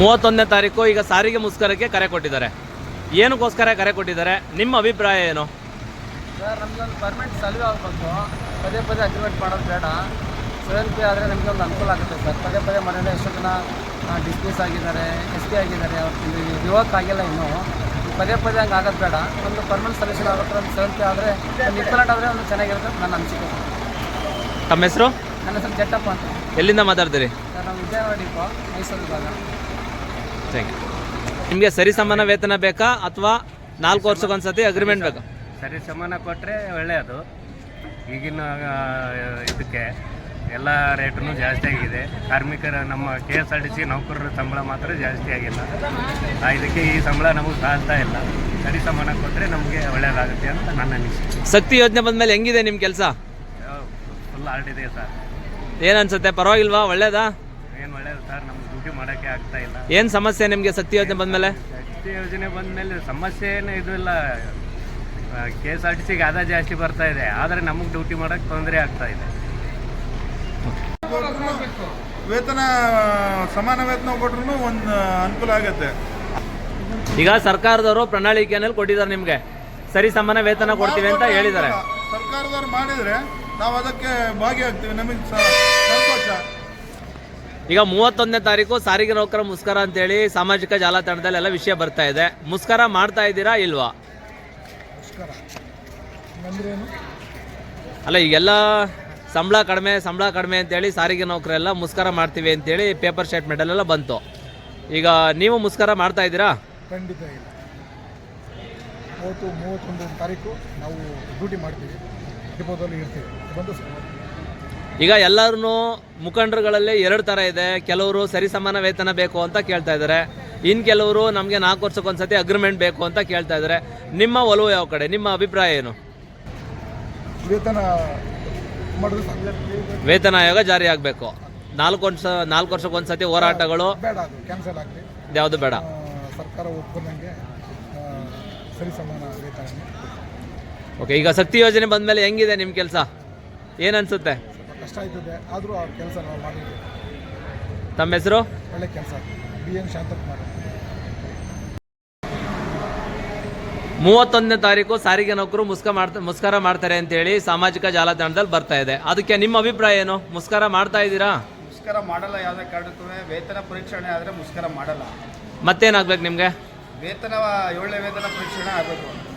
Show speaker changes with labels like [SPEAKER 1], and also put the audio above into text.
[SPEAKER 1] 31ನೇ ತಾರೀಕು ಈಗ ಸಾರಿಗೆ ಮುಷ್ಕರಕ್ಕೆ ಕರೆ ಕೊಟ್ಟಿದ್ದಾರೆ. ಏನಕ್ಕೋಸ್ಕರ ಕರೆ ಕೊಟ್ಟಿದ್ದಾರೆ, ನಿಮ್ಮ ಅಭಿಪ್ರಾಯ ಏನು?
[SPEAKER 2] ಸರ್, ನಮಗೊಂದು ಪರ್ಮನೆಂಟ್ ಸಲ್ವೆ ಆಗಬೇಕು. ಪದೇ ಪದೇ ಅಗ್ರಿಮೆಂಟ್ ಮಾಡೋದು ಬೇಡ. 7P ಆದರೆ ನಮಗೆ ಒಂದು ಅನುಕೂಲ ಆಗುತ್ತೆ ಸರ್. ಪದೇ ಪದೇ ಮನೆಯಲ್ಲಿ ಎಷ್ಟೋ ಜನ ಡಿಸ್ಮಿಸ್ ಆಗಿದ್ದಾರೆ, SP ಆಗಿದ್ದಾರೆ, ಅವ್ರು ರಿವರ್ಕ್ ಆಗಿಲ್ಲ ಇನ್ನೂ. ಪದೇ ಪದೇ ಹಂಗೆ ಆಗೋದು ಬೇಡ. ಒಂದು ಪರ್ಮನೆಂಟ್ ಸೊಲ್ಯೂಷನ್ ಆಗುತ್ತೆ. ಒಂದು 7P ಆದರೆ ಒಂದು ಇಕ್ವಲೆಂಟ್ ಆದರೆ ಒಂದು ಚೆನ್ನಾಗಿರುತ್ತೆ ನನ್ನ ಅನಿಸಿಕೆ.
[SPEAKER 1] ತಮ್ಮ ಹೆಸರು?
[SPEAKER 2] ನನ್ನ ಹೆಸರು ಜಟ್ಟಪ್ಪ ಅಂತ.
[SPEAKER 1] ಎಲ್ಲಿಂದ ಮಾತಾಡ್ತೀರಿ?
[SPEAKER 2] ಸರ್, ನಾವು ವಿಜಯವಾಡ ಡಿಪೋ, ಮೈಸೂರು ಭಾಗ.
[SPEAKER 1] Thank you. ನಿಮಗೆ ಸರಿ ಸಮಾನ ವೇತನ ಬೇಕಾ ಅಥವಾ 4 ವರ್ಷಕ್ಕೊಂದ್ಸತಿ ಅಗ್ರಿಮೆಂಟ್ ಬೇಕಾ?
[SPEAKER 3] ಸರಿ ಸಮಾನ ಕೊಟ್ಟರೆ ಒಳ್ಳೆಯದು. ಈಗಿನ ಇದಕ್ಕೆ ಎಲ್ಲ ರೇಟೂ ಜಾಸ್ತಿ ಆಗಿದೆ. ಕಾರ್ಮಿಕರ ನಮ್ಮ KSRTC ನೌಕರರ ಸಂಬಳ ಮಾತ್ರ ಜಾಸ್ತಿ ಆಗಿಲ್ಲ. ಇದಕ್ಕೆ ಈ ಸಂಬಳ ನಮಗೆ ಸಾಲ್ತಾ ಇಲ್ಲ. ಸರಿ ಸಮಾನ ಕೊಟ್ಟರೆ ನಮಗೆ ಒಳ್ಳೆಯದಾಗುತ್ತೆ ಅಂತ ನನ್ನ ಅನಿಸಿಕೆ.
[SPEAKER 1] ಶಕ್ತಿ ಯೋಜನೆ ಬಂದಮೇಲೆ ಹೆಂಗಿದೆ ನಿಮ್ಮ ಕೆಲಸ?
[SPEAKER 3] ಫುಲ್ ಆಲ್ಟಿದೆ ಸರ್.
[SPEAKER 1] ಏನು ಅನ್ಸುತ್ತೆ, ಪರವಾಗಿಲ್ವಾ, ಒಳ್ಳೇದಾ?
[SPEAKER 3] ಏನು ಒಳ್ಳೆಯದು ಸರ್, ನಮ್ಗೆ ಡ್ಯೂಟಿ ಮಾಡೋಕ್ಕೆ ಆಗ್ತಾ ಇಲ್ಲ.
[SPEAKER 1] ಏನು ಸಮಸ್ಯೆ ನಿಮಗೆ ಶಕ್ತಿ ಯೋಜನೆ ಬಂದಮೇಲೆ?
[SPEAKER 3] ಶಕ್ತಿ ಯೋಜನೆ ಬಂದಮೇಲೆ ಸಮಸ್ಯೆ ಏನು ಇದು ಇಲ್ಲ. KSRTCಗೆ ಆದಾಯ ಜಾಸ್ತಿ ಬರ್ತಾ ಇದೆ, ಆದರೆ ನಮಗೆ ಡ್ಯೂಟಿ ಮಾಡೋಕ್ಕೆ ತೊಂದರೆ ಆಗ್ತಾ ಇದೆ.
[SPEAKER 4] ವೇತನ ಸಮಾನ ವೇತನ ಕೊಟ್ರು ಒಂದು ಅನುಕೂಲ ಆಗುತ್ತೆ.
[SPEAKER 1] ಈಗ ಸರ್ಕಾರದವರು ಪ್ರಣಾಳಿಕೆಯಲ್ಲಿ ಕೊಟ್ಟಿದ್ದಾರೆ, ನಿಮಗೆ ಸರಿ ಸಮಾನ ವೇತನ ಕೊಡ್ತೀವಿ ಅಂತ ಹೇಳಿದ್ದಾರೆ.
[SPEAKER 4] ಸರ್ಕಾರದವ್ರು ಮಾಡಿದರೆ ನಾವು ಅದಕ್ಕೆ ಭಾಗಿಯಾಗ್ತೀವಿ, ನಮಗೆ ಸಂತೋಷ.
[SPEAKER 1] ಈಗ 31ನೇ ತಾರೀಕು ಸಾರಿಗೆ ನೌಕರ ಮುಷ್ಕರ ಅಂತೇಳಿ ಸಾಮಾಜಿಕ ಜಾಲತಾಣದಲ್ಲಿ ಎಲ್ಲ ವಿಷಯ ಬರ್ತಾ ಇದೆ. ಮುಷ್ಕರ ಮಾಡ್ತಾ ಇದ್ದೀರಾ ಇಲ್ವಾ? ಅಲ್ಲ, ಈಗೆಲ್ಲ ಸಂಬಳ ಕಡಿಮೆ ಅಂತೇಳಿ ಸಾರಿಗೆ ನೌಕರೆಲ್ಲ ಮುಷ್ಕರ ಮಾಡ್ತೀವಿ ಅಂತೇಳಿ ಪೇಪರ್ ಸ್ಟೇಟ್ಮೆಂಟಲ್ಲೆಲ್ಲ ಬಂತು. ಈಗ ನೀವು ಮುಷ್ಕರ ಮಾಡ್ತಾ ಇದ್ದೀರಾ?
[SPEAKER 2] ಖಂಡಿತ ಇಲ್ಲ. 31 ತಾರೀಕು ನಾವು ಡ್ಯೂಟಿ ಮಾಡ್ತೀವಿ, ಡಿಪೋದಲ್ಲಿ ಇರ್ತೀವಿ. ಬಂದು
[SPEAKER 1] ಈಗ ಎಲ್ಲರೂ ಮುಖಂಡರುಗಳಲ್ಲಿ 2 ಥರ ಇದೆ. ಕೆಲವರು ಸರಿ ಸಮಾನ ವೇತನ ಬೇಕು ಅಂತ ಕೇಳ್ತಾ ಇದ್ದಾರೆ, ಇನ್ನು ಕೆಲವರು ನಮಗೆ 4 ವರ್ಷಕ್ಕೊಂದ್ಸತಿ ಅಗ್ರಿಮೆಂಟ್ ಬೇಕು ಅಂತ ಕೇಳ್ತಾ ಇದ್ದಾರೆ. ನಿಮ್ಮ ಒಲವು ಯಾವ ಕಡೆ? ನಿಮ್ಮ ಅಭಿಪ್ರಾಯ ಏನು?
[SPEAKER 2] ವೇತನ
[SPEAKER 1] ವೇತನ ಆಯೋಗ ಜಾರಿ ಆಗಬೇಕು. 4 ವರ್ಷಕ್ಕೊಂದ್ಸತಿ ಹೋರಾಟಗಳು
[SPEAKER 2] ಬೇಡ, ಅದು ಕ್ಯಾನ್ಸಲ್ ಆಗಲಿ.
[SPEAKER 1] ಯಾವುದು ಬೇಡ.
[SPEAKER 2] ಸರ್ಕಾರ ಒಪ್ಕೊಂಡಂಗೆ ಸರಿ ಸಮಾನ ವೇತನ.
[SPEAKER 1] ಓಕೆ, ಈಗ ಶಕ್ತಿ ಯೋಜನೆ ಬಂದಮೇಲೆ ಹೆಂಗಿದೆ ನಿಮ್ಮ ಕೆಲಸ? ಏನನ್ಸುತ್ತೆ?
[SPEAKER 2] ಕಷ್ಟ ಆಯ್ತದೆ, ಆದರೂ ಅವ್ರ ಕೆಲಸ ನಾವು ಮಾಡಿದ್ವಿ.
[SPEAKER 1] ತಮ್ಮ ಹೆಸರು?
[SPEAKER 2] ಒಳ್ಳೆ ಕೆಲಸ. BN ಶಾಂತಕುಮಾರ್.
[SPEAKER 1] 31ನೇ ತಾರೀಕು ಸಾರಿಗೆ ನೌಕರು ಮುಷ್ಕರ ಮಾಡ್ತಾರೆ ಅಂತೇಳಿ ಸಾಮಾಜಿಕ ಜಾಲತಾಣದಲ್ಲಿ ಬರ್ತಾ ಇದೆ. ಅದಕ್ಕೆ ನಿಮ್ಮ ಅಭಿಪ್ರಾಯ ಏನು? ಮುಷ್ಕರ ಮಾಡ್ತಾ ಇದ್ದೀರಾ?
[SPEAKER 4] ಮುಷ್ಕರ ಮಾಡಲ್ಲ. ಯಾವುದೇ ಕಾರಣಕ್ಕೂ ವೇತನ ಪರೀಕ್ಷಣೆ ಆದರೆ ಮುಷ್ಕರ ಮಾಡಲ್ಲ.
[SPEAKER 1] ಮತ್ತೇನಾಗ್ಬೇಕು ನಿಮಗೆ?
[SPEAKER 4] ವೇತನ 7ನೇ ವೇತನ ಪರೀಕ್ಷಣೆ ಆಗಬೇಕು.